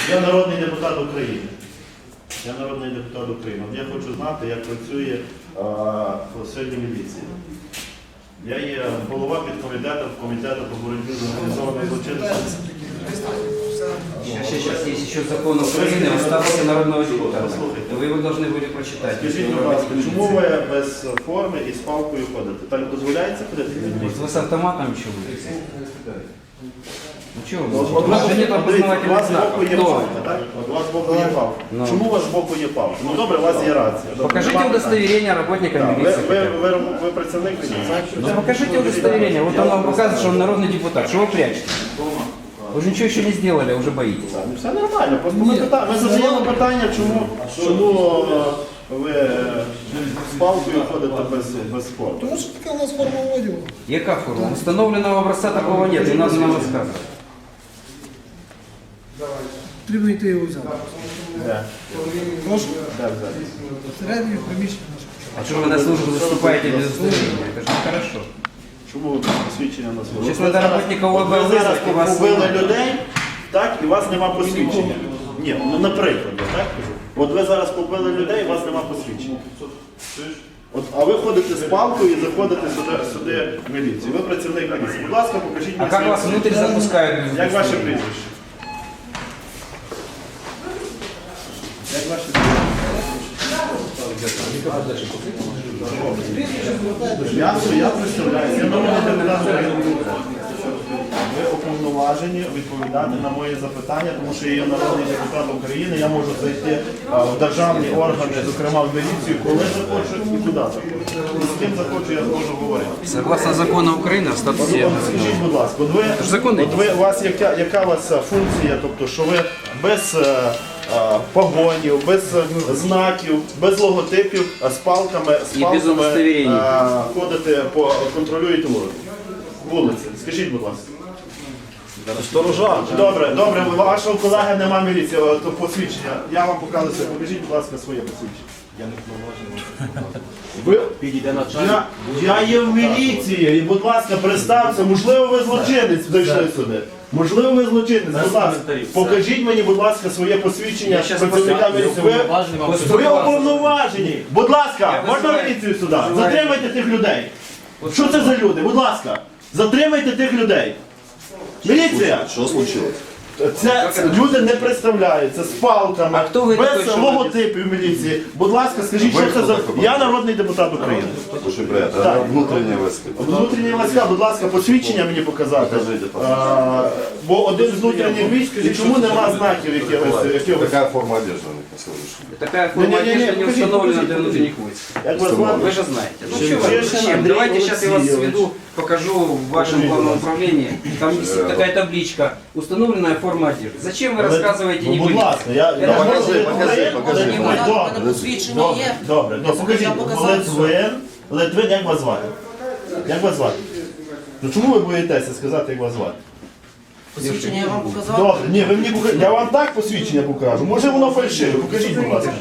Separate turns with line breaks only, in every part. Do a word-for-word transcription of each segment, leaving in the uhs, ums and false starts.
Я народний депутат України. Я народний депутат України. Я хочу знати, як працює а, сьогодні міліція. Я є голова підкомітету комітету по боротьбі з організованою злочинністю.
Сейчас, сейчас есть еще закон Украины о статусе народного депутата. Вы его должны были прочитать.
Скажіть, будь ласка, чому ви без форми і з палкою ходите? Так дозволяється ходити?
Может, вы с автоматом еще будете? Ну чего
От
вы? У вас же нет
у
опознавательных
вас збоку
знаков.
є
Кто?
палка, так? От у вас збоку є палка.
Ну.
Чому у вас збоку є палка? Ну добре, у вас є рація. Добре,
Покажите
нема питань.
удостоверение работника
Так, Ви,
милиции.
ви,
хотя бы.
ви, ви працівник міліції?
Ну покажите удостоверение. Вот он вам показывает, что он народный депутат. Что вы прячете? Вы же ничего еще не сделали, а уже боитесь.
Ну, все нормально, просто ми, пита... ми задаємо питання, чому, чому е, ви е, з палкою ходите без, без форми.
Тому що така у нас форма одягу.
Яка форма? Установленного образца такого нет, не надо нам рассказывать.
Потрібно йти його взяти.
Де?
Прошу,
Де взяти?
всередині приміщення наше.
А что вы на службу выступаете без удостоверения? Это же нехорошо.
Чому ви посвідчення на свою?
Щас треба работника
От ви
ОБЛ
зараз
визвати, у вас
побили
немає.
людей, так, і у вас нема посвідчення. Ні, ну наприклад, я так кажу. От ви зараз побили людей, і у вас нема посвідчення. От, а ви ходите з палкою і заходите сюди, сюди в міліцію. Ви працівник міліції. Будь ласка, покажіть
А
мені
как
своє
вас
посвідчення.
внутрь запускают без
Як ваше
удостоверения?
прізвище? Як ваше прізвище? Я, я представляю, я народний депутат України. Ви уповноважені відповідати на мої запитання, тому що я є народний депутат України, я можу зайти а, в державні органи, зокрема в міліцію, коли захочу і куди захочу. І з ким захочу, я зможу говорити.
Согласно закону Украины о статусе...
От скажіть, будь ласка, от ви,
ж законний.
от ви, у вас яка, яка у вас е, функція, тобто, що ви без е, е, погонів, без е, знаків, без логотипів, а з палками, з
І без
палками
удостоверень.
е, ходите, по, контролюєте вулиці? Вулиці. Скажіть, будь ласка. Сторожа. Добре, добре, у вашого колеги нема міліції, е, то посвідчення. Я вам показую, покажіть, будь ласка, своє посвідчення. Я не Ви... Я, я є в міліції, і, будь ласка, представте, можливо, ви злочинець зайшли сюди. Можливо, ви злочинець, будь ласка, покажіть мені, будь ласка, своє посвідчення
Я щас
працівника
поставлю.
міліції. Ви, ви уповноважені. Будь ласка, можна
визиваю-
міліцію сюди?
визиваю-
Затримайте тих людей. Що це за люди? Будь ласка, затримайте тих людей. Міліція!
Що случилось?
Це, це люди не представляються з палками,
А хто ви такий,
без
що
логотипів міліції. Будь ласка, скажіть,
Ви
що це
хто
за...
такий?
Я народний депутат України.
Слушай, брат,
Так.
а внутренние войска?
Внутрішні війська, будь ласка, посвідчення мені показати.
Покажіть,
А, бо один з внутрішніх військ, і чому нема знаків якихось? якихось?
Какая форма одежды у них на сегодняшний день?
Такая форма
Не-не-не,
одежды не
покажите,
установлена
покажите,
для внутренних войск.
Як вас звати?
Вы же знаете. Ну
Чешин
чего вы,
Андрей
зачем? Давайте сейчас я вас
Алексеевич.
сведу, покажу в вашем
Покажите,
главном
пожалуйста.
управлении. Там висит такая табличка. Установленная форма одежды. Зачем вы рассказываете
Ну,
не
будь
были?
ласка, я...
Я
я
покажи,
можу-
покажи, покажи.
Ні,
Мене-
добре,
мене посвідчення
добре,
є.
Добре, добре, покажіть.
Я показала.
Литвин, Литвин, як вас звати? Як вас звати? Ну чому ви боїтеся сказати, як вас звати?
Посвідчення я вам показав.
Добре, ні, ви мені покажіть. Я вам так посвідчення покажу. Може воно фальшиве. Покажіть, будь ласка.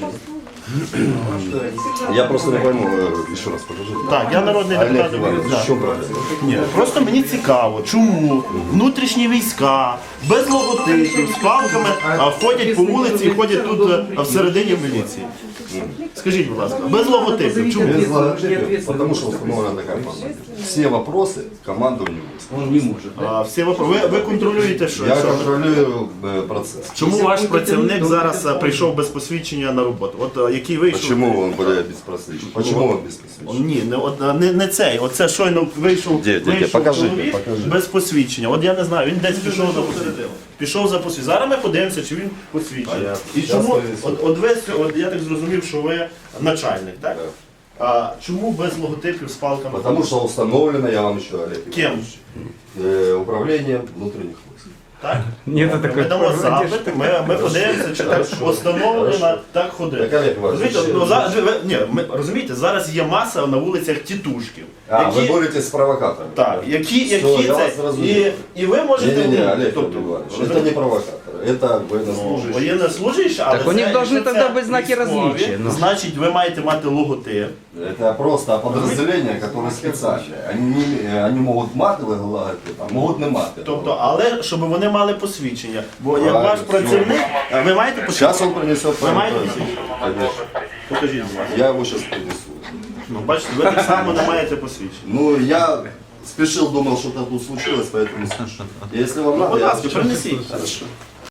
Я просто не пойму, э, еще раз покажи.
Так, я народний
Олег
депутат
Иванович,
України.
в чем проблема?
Ні, просто мені цікаво, чому внутрішні війська без логотипів, з палками а, ходять по вулиці і ходять тут а, всередині в міліції. Скажіть, будь ласка, без логотипів, чому?
Без логотипа, потому что установлена такая форма. Все вопросы командованию войск.
Он не может.
А, всі випро- ви, ви контролюєте, що?
Я
що?
контролирую э, процесс.
Чому ваш працівник зараз а, прийшов без посвідчення на роботу? От а, який вийшов?
Почему он более беспросвечен? Почему он беспросвечен?
Ні, не, от, а, не, не цей. Оце щойно вийшов,
Де, де, де?
вийшов
Покажи,
чоловік
покажи.
без посвідчення. От я не знаю, він десь пішов за посвідчення. Пішов за посвідчення. Зараз ми подивимося, чи він посвідчений.
Понятно.
І
Щас
чому,
повісимо.
от, от ви, сьо- от я так зрозумів, що ви начальник, так?
Да.
А чому без логотипів з палками?
Потому что установлено, я вам еще, Олег
Ким?
Иванович, э, управление внутренних войск.
Так?
Ні, це
Ми
таке.
дамо запит, ми, ми подивимося, чи так встановлено, так ходить.
Так, Олег Іванович,
Розумієте,
ще-
ну, зараз, ви- ні, ми, розумієте, зараз є маса на вулицях тітушків.
А, вы боретесь с провокаторами?
Так, які,
Все,
які
я
це,
вас зрозумів.
і, і ви можете...
Не-не-не, Олег
тобто,
Иванович, это не провокаторы. Это
Ну,
военнослужащие.
воєннослужащі, але
Так у них
це-
должны
якщо
тогда
це
быть знаки
військові,
различия, ну.
Значить, ви маєте мати логотип.
Это просто подразделения, которые специальные. Они, не, они могут матовые логотип, а могут не матовые.
Тобто, але щоб вони мали посвідчення. Бо як
Правильно,
ваш працівник, а ви маєте посвідчення?
Сейчас он принесет.
Ви маєте
правильно.
посвідчення?
Конечно.
Покажіть, будь ласка.
Я его сейчас принесу.
Ну, бачите, ви так само не маєте посвідчення.
Ну, я спешил, думал, что-то тут случилось, поэтому... Если вам
Ну,
надо,
будь
я
ласка, принесіть. Хорошо.